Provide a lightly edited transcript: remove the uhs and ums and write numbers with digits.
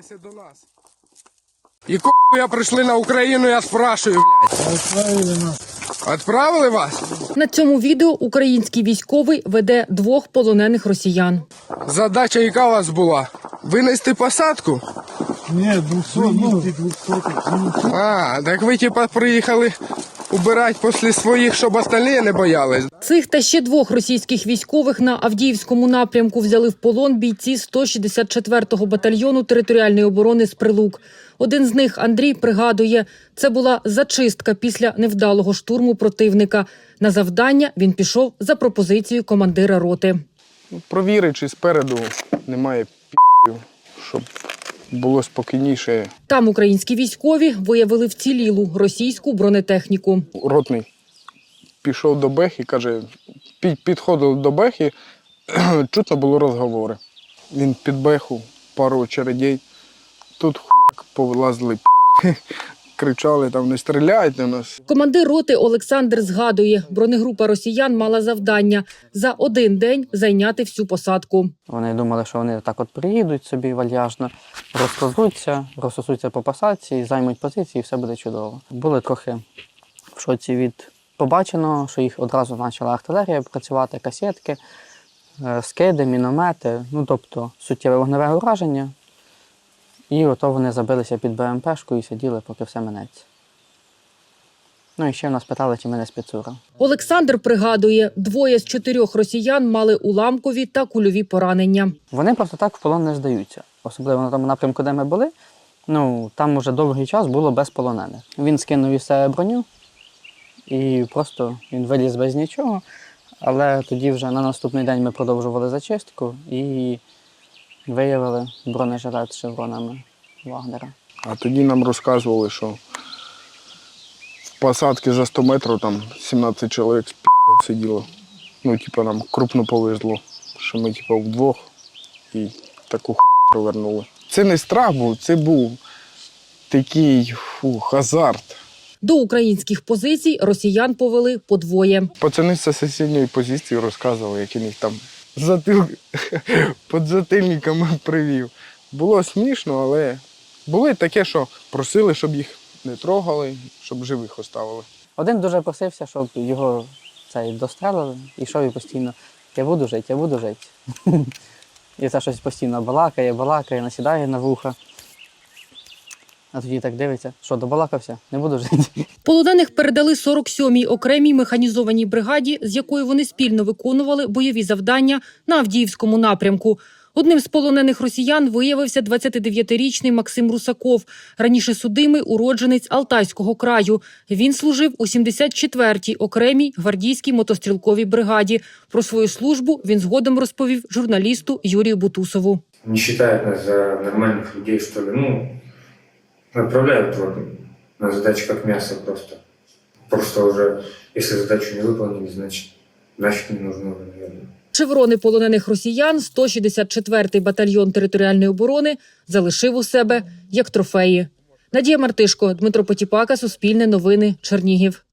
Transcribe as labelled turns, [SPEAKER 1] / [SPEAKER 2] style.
[SPEAKER 1] приєднайся до нас. Якого я прийшли на Україну, я спрашую, блядь.
[SPEAKER 2] Відправили нас.
[SPEAKER 1] Відправили вас?
[SPEAKER 3] На цьому відео український військовий веде 2 полонених росіян.
[SPEAKER 1] Задача яка у вас була? Винести посадку?
[SPEAKER 2] Ні, 200, ну, 200.
[SPEAKER 1] А, так ви типа приїхали убирати після своїх, щоб остальні не боялись.
[SPEAKER 3] Цих та ще 2 російських військових на Авдіївському напрямку взяли в полон бійці 164-го батальйону територіальної оборони з Прилук. Один з них, Андрій, пригадує, це була зачистка після невдалого штурму противника. На завдання він пішов за пропозицією командира роти.
[SPEAKER 1] Провіри, чи спереду немає пі***ів, щоб було спокійніше.
[SPEAKER 3] Там українські військові виявили вцілілу російську бронетехніку.
[SPEAKER 1] Ротний пішов до Бехи, каже, підходив до Бехи, чутно було розговори. Він під Беху, пару очередей, тут хуяк повилазили, кричали, там не стріляйте в нас.
[SPEAKER 3] Командир роти Олександр згадує, бронегрупа росіян мала завдання за один день зайняти всю посадку.
[SPEAKER 4] Вони думали, що вони так от приїдуть собі вальяжно, розсосуться по посадці, займуть позиції і все буде чудово. Були трохи в шоці від побаченого, що їх одразу почала артилерія працювати, касетки, скиди, міномети, ну тобто суттєве вогневе ураження. І ото вони забилися під БМПшку і сиділи, поки все минеться. Ну і ще в нас питали, чи мене спецура.
[SPEAKER 3] Olександр пригадує, 2 з 4 росіян мали уламкові та кульові поранення.
[SPEAKER 4] Вони просто так в полон не здаються. Особливо на тому напрямку, де ми були, ну там уже довгий час було без полонених. Він скинув із себе броню і просто він виліз без нічого. Але тоді вже на наступний день ми продовжували зачистку і виявили бронежилет з шевронами Вагнера.
[SPEAKER 1] А тоді нам розказували, що в посадці за 100 метрів там 17 чоловік з пі***ом сиділо. Ну, типу, нам крупно повезло, що ми типу вдвох і таку хуйню провернули. Це не страх був, це був такий азарт.
[SPEAKER 3] До українських позицій росіян повели по 2.
[SPEAKER 1] Пацани з сусідньої позиції розказували, як він їх там під затильниками привів. Було смішно, але були таке, що просили, щоб їх не трогали, щоб живих оставили.
[SPEAKER 4] Один дуже просився, щоб його дострелили, і йшов і постійно я буду жити. І це щось постійно балакає, насідає на вуха. А тоді так дивиться, що добалакався, не буду жити.
[SPEAKER 3] Полонених передали 47-й окремій механізованій бригаді, з якою вони спільно виконували бойові завдання на Авдіївському напрямку. Одним з полонених росіян виявився 29-річний Максим Русаков, раніше судимий уродженець Алтайського краю. Він служив у 74-й окремій гвардійській мотострілковій бригаді. Про свою службу він згодом розповів журналісту Юрію Бутусову.
[SPEAKER 5] Не вважають нас за нормальних людей, що ли, отправляют на задачу как мясо просто. Просто уже, если задачу не выполнили, значит не нужно, наверное.
[SPEAKER 3] Шеврони полонених росіян 164-й батальйон територіальної оборони залишив у себе як трофеї. Надія Мартишко, Дмитро Потіпака, Суспільне новини, Чернігів.